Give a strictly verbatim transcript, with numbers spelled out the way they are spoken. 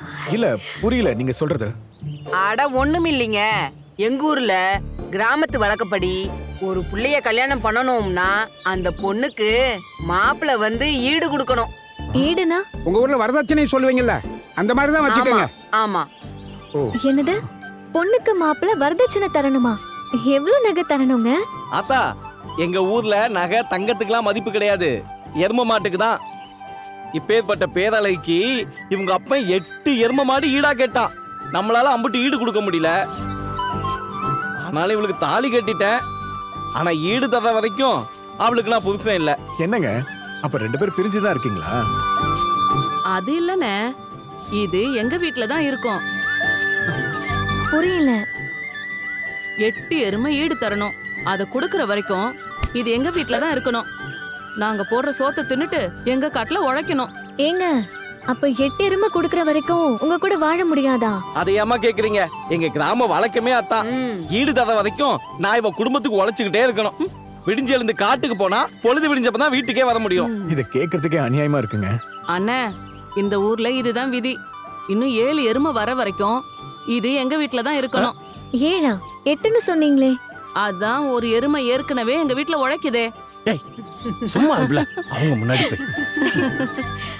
இல்ல புரியல நீங்க சொல்றது. அட ஒண்ணும் இல்லைங்க. எங்க ஊர்ல கிராமத்து வழக்கப்படி ஒரு புள்ளைய கல்யாணம் பண்ணணும்னா அந்த பொண்ணுக்கு மாப்பிள்ளை வந்து ஈடு கொடுக்கணும். ஈடுனா உங்க ஊர்ல வரதட்சணை சொல்லுவீங்கல்ல, அந்த மாதிரி தான் ஆமா வச்சுக்கோங்க. ஆமா. என்னது? பொண்ணுக்கு மாப்பிள்ள வரதட்சணை தரணுமா? எவ்வளவு நகை தரணுங்க? ஆத்தா, எங்க ஊர்ல நகை தங்கத்துக்குலாம் மதிப்பு கிடையாது, எரும மாட்டுக்கு தான். இப்பேற்பட்ட பேரலைக்கு இவங்க அப்ப எட்டு எரும மாடு ஈடா கேட்டான். நம்மளால அம்புட்டு ஈடு கொடுக்க முடியல. ஆனாலும் இவளுக்கு தாலி கட்டிட்டேன். ஆனா ஈடு தர வரைக்கும் அவளுக்கு நான் புதுசன் இல்ல. என்னங்க அப்ப ரெண்டு பேரும் பிரிஞ்சுதான் இருக்கீங்களா? அது இல்லனே, இது எங்க வீட்ல தான் இருக்கும். புரியல. எட்டு எருமை ஈடு தரணும். அத குடுக்கற வரைக்கும் இது எங்க வீட்ல தான் இருக்கணும். நாங்க போடுற சோத்தை தின்னுட்டு எங்க காட்டுல உழைக்கணும். ஏங்க, அப்ப எட்டு எருமை குடுக்கற வரைக்கும் உங்க கூட வாழ முடியாதா? அதை ஏமா கேக்குறீங்க? எங்க கிராம வழக்கமே அத்தான். ம். ஈடு தர வரைக்கும் நான் இவ குடும்பத்துக்கு உழைச்சுக்கிட்டே இருக்கணும். விடிஞ்சு எழுந்து காட்டுக்கு போனா பொழுது விடிஞ்சப்பதான் வீட்டுக்கே வர முடியும். இத கேக்குறதுக்கே அநியாயமா இருக்குங்க. அண்ணே, இந்த ஊர்ல இதுதான் விதி. இன்னும் ஏழு எருமை வர வரைக்கும் இது எங்க வீட்ல தான் இருக்கணும். ஏழா? எட்டுன்னு சொன்னீங்களே. அதான் ஒரு எருமை ஏற்கனவே எங்க வீட்ல உழைக்குதே. சும்மா அவங்க முன்னாடி போய்